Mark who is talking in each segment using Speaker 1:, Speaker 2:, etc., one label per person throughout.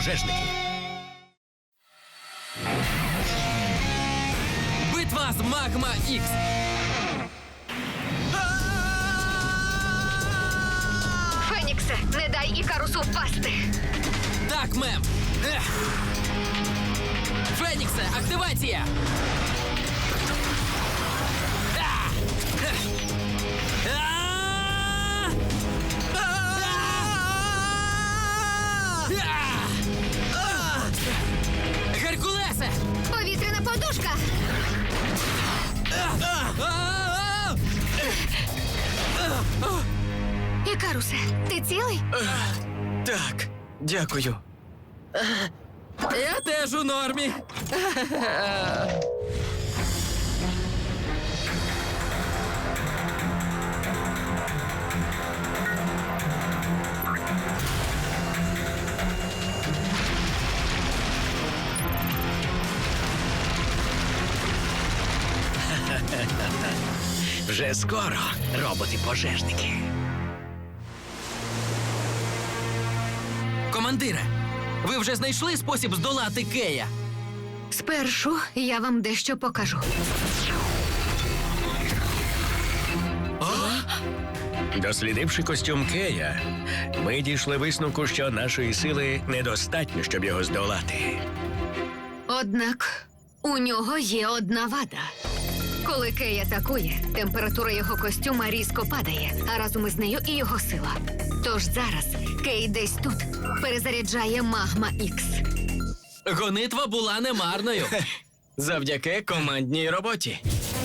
Speaker 1: пожежники.
Speaker 2: Битва з Магма Ікс.
Speaker 3: Феніксе, не дай Ікарусу впасти.
Speaker 2: Так, мем. Феніксе, активація. Геркулесе!
Speaker 3: Повітряна подушка. Ікарусе, ти цілий?
Speaker 4: Так, дякую.
Speaker 2: Я теж у нормі.
Speaker 1: Вже скоро, роботи-пожежники.
Speaker 2: Командире, ви вже знайшли спосіб здолати Кея?
Speaker 3: Спершу я вам дещо покажу.
Speaker 1: Дослідивши костюм Кея, ми дійшли висновку, що нашої сили недостатньо, щоб його здолати.
Speaker 3: Однак у нього є одна вада. Коли Кей атакує, температура його костюма різко падає, а разом із нею і його сила. Тож зараз Кей десь тут перезаряджає Магма Ікс.
Speaker 2: Гонитва була немарною.
Speaker 4: Завдяки командній роботі.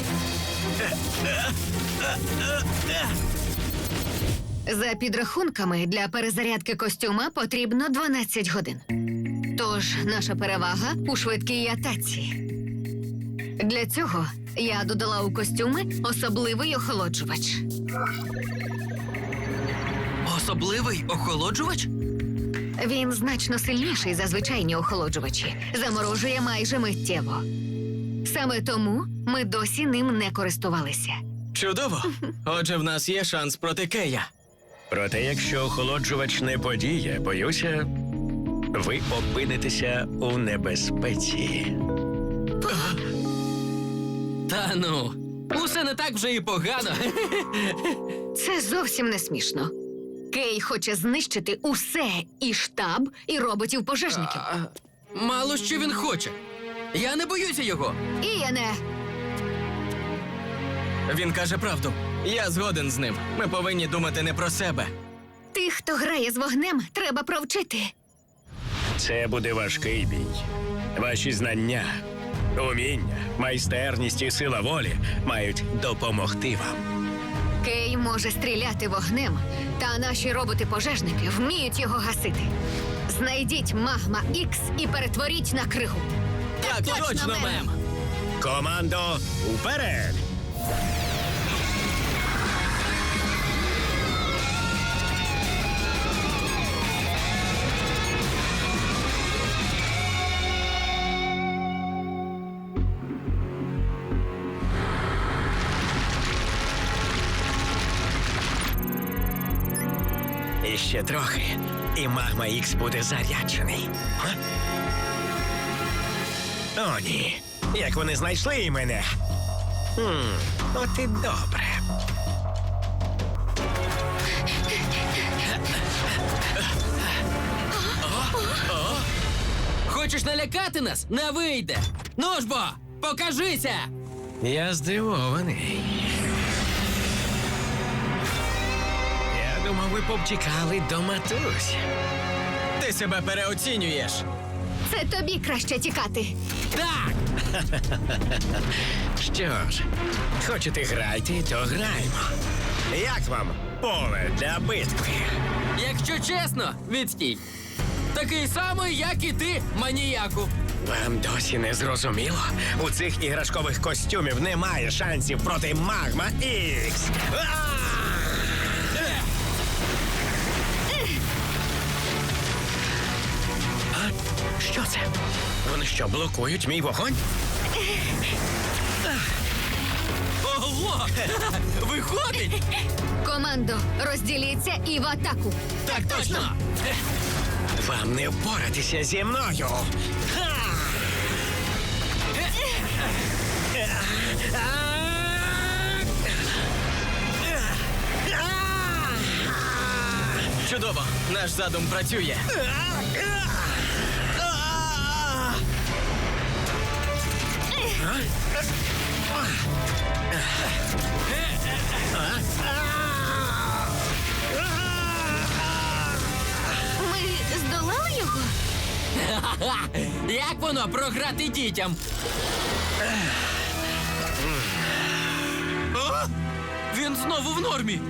Speaker 3: За підрахунками, для перезарядки костюма потрібно 12 годин. Тож наша перевага у швидкій атаці. Для цього я додала у костюми особливий охолоджувач.
Speaker 2: Особливий охолоджувач?
Speaker 3: Він значно сильніший за звичайні охолоджувачі. Заморожує майже миттєво. Саме тому ми досі ним не користувалися.
Speaker 4: Чудово. Отже, в нас є шанс проти Кея.
Speaker 1: Проте, якщо охолоджувач не подіє, боюся, ви опинитеся у небезпеці.
Speaker 2: Та ну, усе не так вже і погано.
Speaker 3: Це зовсім не смішно. Кей хоче знищити усе – і штаб, і роботів-пожежників.
Speaker 2: Мало що він хоче. Я не боюся його.
Speaker 3: І я не...
Speaker 4: Він каже правду. Я згоден з ним. Ми повинні думати не про себе.
Speaker 3: Тих, хто грає з вогнем, треба провчити.
Speaker 1: Це буде важкий бій. Ваші знання, уміння, майстерність і сила волі мають допомогти вам.
Speaker 3: Кей може стріляти вогнем, та наші роботи-пожежники вміють його гасити. Знайдіть Магма Ікс і перетворіть на кригу.
Speaker 4: Так, точно, мем.
Speaker 1: Командо, уперед! І ще трохи, і Магма Ікс буде заряджений. Га? О, ні. Як вони знайшли і мене? От і добре.
Speaker 2: Хочеш налякати нас? Не вийде. Ну ж бо, покажися!
Speaker 1: Я здивований. Я думав, ви повтікали до матусь.
Speaker 4: Ти себе переоцінюєш.
Speaker 3: Це тобі краще тікати.
Speaker 2: Так!
Speaker 1: Що ж, хочете грайте, то граємо. Як вам поле для битви?
Speaker 2: Якщо чесно, відстій. Такий самий, як і ти, маніяку.
Speaker 1: Вам досі не зрозуміло? У цих іграшкових костюмів немає шансів проти Магма Ікс. А? Що це? Вони що, блокують мій вогонь?
Speaker 2: Ого! Виходить!
Speaker 3: Командо, розділіться і в атаку.
Speaker 2: Так точно!
Speaker 1: Вам не впоратися зі мною. Ха!
Speaker 4: Чудово! Наш задум працює.
Speaker 3: Ми здолали його?
Speaker 2: Ха! Як воно програти дітям? А? Він знову в нормі.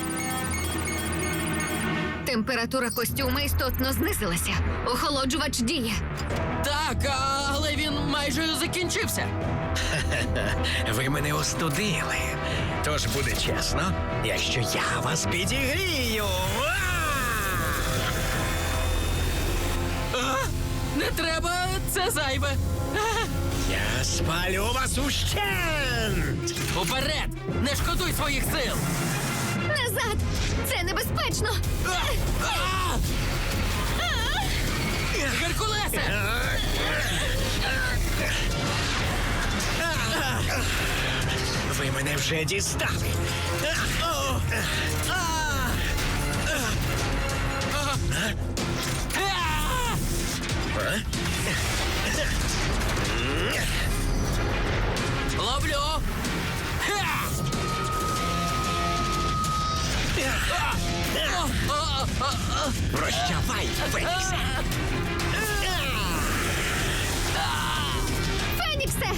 Speaker 3: Температура костюма істотно знизилася. Охолоджувач діє.
Speaker 2: Так, але він майже закінчився.
Speaker 1: Ви мене остудили. Тож буде чесно, якщо я вас підігрію.
Speaker 2: А? Не треба, це зайве. А?
Speaker 1: Я спалю вас ущент!
Speaker 2: Уперед! Не шкодуй своїх сил!
Speaker 3: Назад! Це небезпечно!
Speaker 2: А! Геркулесе!
Speaker 1: Ви мене вже дістали.
Speaker 2: А! Ловлю! Ха!
Speaker 1: Прощавай, Феніксе!
Speaker 3: Феніксе!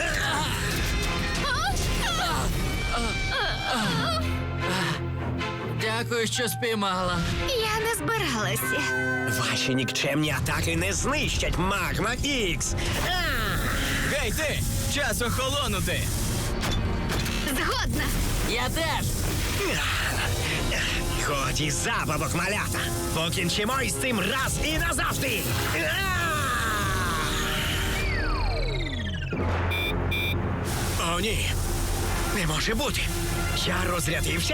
Speaker 2: Дякую, що спіймала.
Speaker 3: Я не збиралася.
Speaker 1: Ваші нікчемні атаки не знищать Магма Ікс!
Speaker 4: Гей ти! Час охолонути!
Speaker 3: Згодна!
Speaker 2: Я теж!
Speaker 1: Ході забавок, малята! Покінчимо із цим раз і назавжди! О, ні! Не може бути! Я розрядився?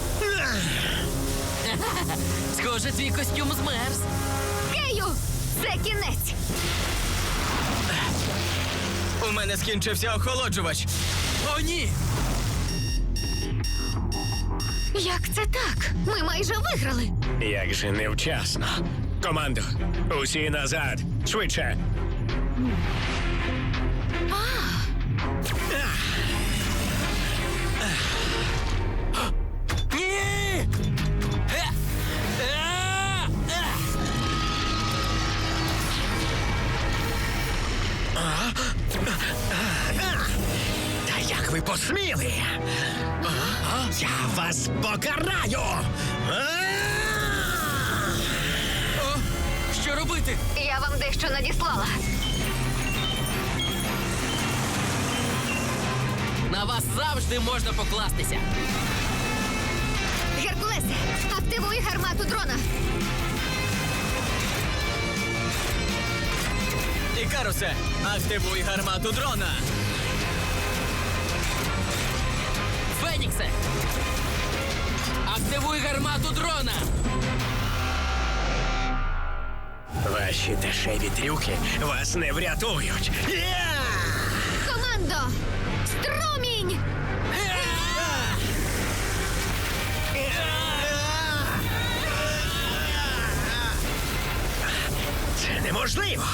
Speaker 2: Схоже, твій костюм змерз.
Speaker 3: Кею! Це кінець!
Speaker 4: У мене скінчився охолоджувач.
Speaker 2: О, ні!
Speaker 3: Як це так? Ми майже виграли.
Speaker 1: Як же невчасно! Командо, усі назад! Швидше!
Speaker 2: Ні!
Speaker 1: Та як ви посміли? Я вас покараю!
Speaker 2: О, що робити?
Speaker 3: Я вам дещо надіслала.
Speaker 2: На вас завжди можна покластися.
Speaker 3: Геркулесе, активуй гармату дрона.
Speaker 4: Ікарусе, активуй гармату дрона.
Speaker 2: Феніксе! Активуй гармату дрона!
Speaker 1: Ваші дешеві трюки вас не врятують!
Speaker 3: Командо! Струмінь!
Speaker 1: Це неможливо!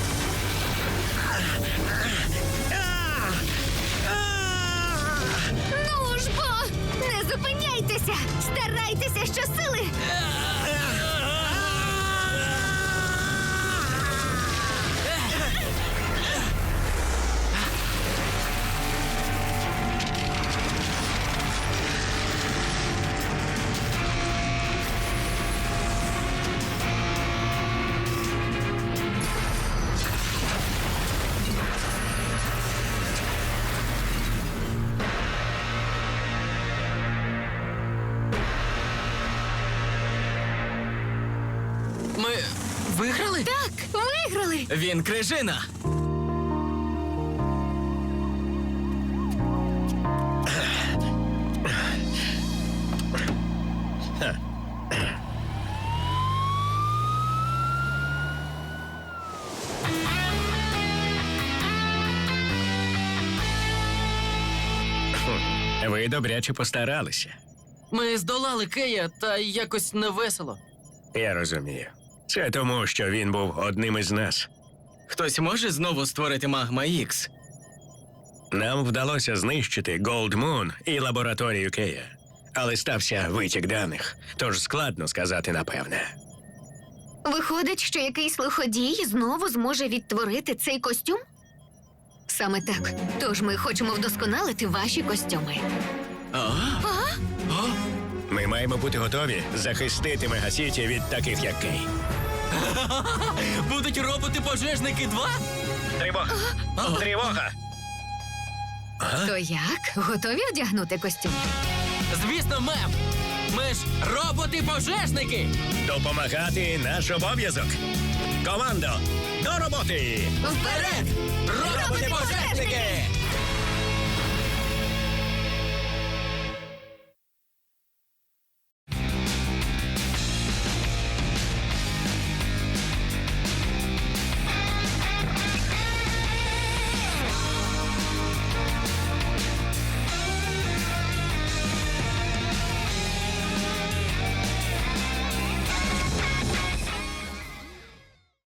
Speaker 3: Ну ж бо! Не зупиняйтеся! Старайтеся щосили!
Speaker 2: Ми виграли?
Speaker 3: Так, виграли!
Speaker 4: Він крижина.
Speaker 1: Ви добряче постаралися.
Speaker 2: Ми здолали Кея, та якось невесело.
Speaker 1: Я розумію. Це тому, що він був одним із нас.
Speaker 4: Хтось може знову створити Магма Ікс?
Speaker 1: Нам вдалося знищити Gold Moon і лабораторію Кея. Але стався витік даних, тож складно сказати напевне.
Speaker 3: Виходить, що якийсь лиходій знову зможе відтворити цей костюм? Саме так. Тож ми хочемо вдосконалити ваші костюми.
Speaker 1: Ми маємо бути готові захистити Мегасіті від таких, як Кей.
Speaker 2: Будуть роботи-пожежники 2?
Speaker 1: Тривога! Тривога!
Speaker 3: То як? Готові вдягнути костюм?
Speaker 2: Звісно, мем! Ми ж роботи-пожежники!
Speaker 1: Допомагати наш обов'язок. Командо, до роботи!
Speaker 2: Вперед!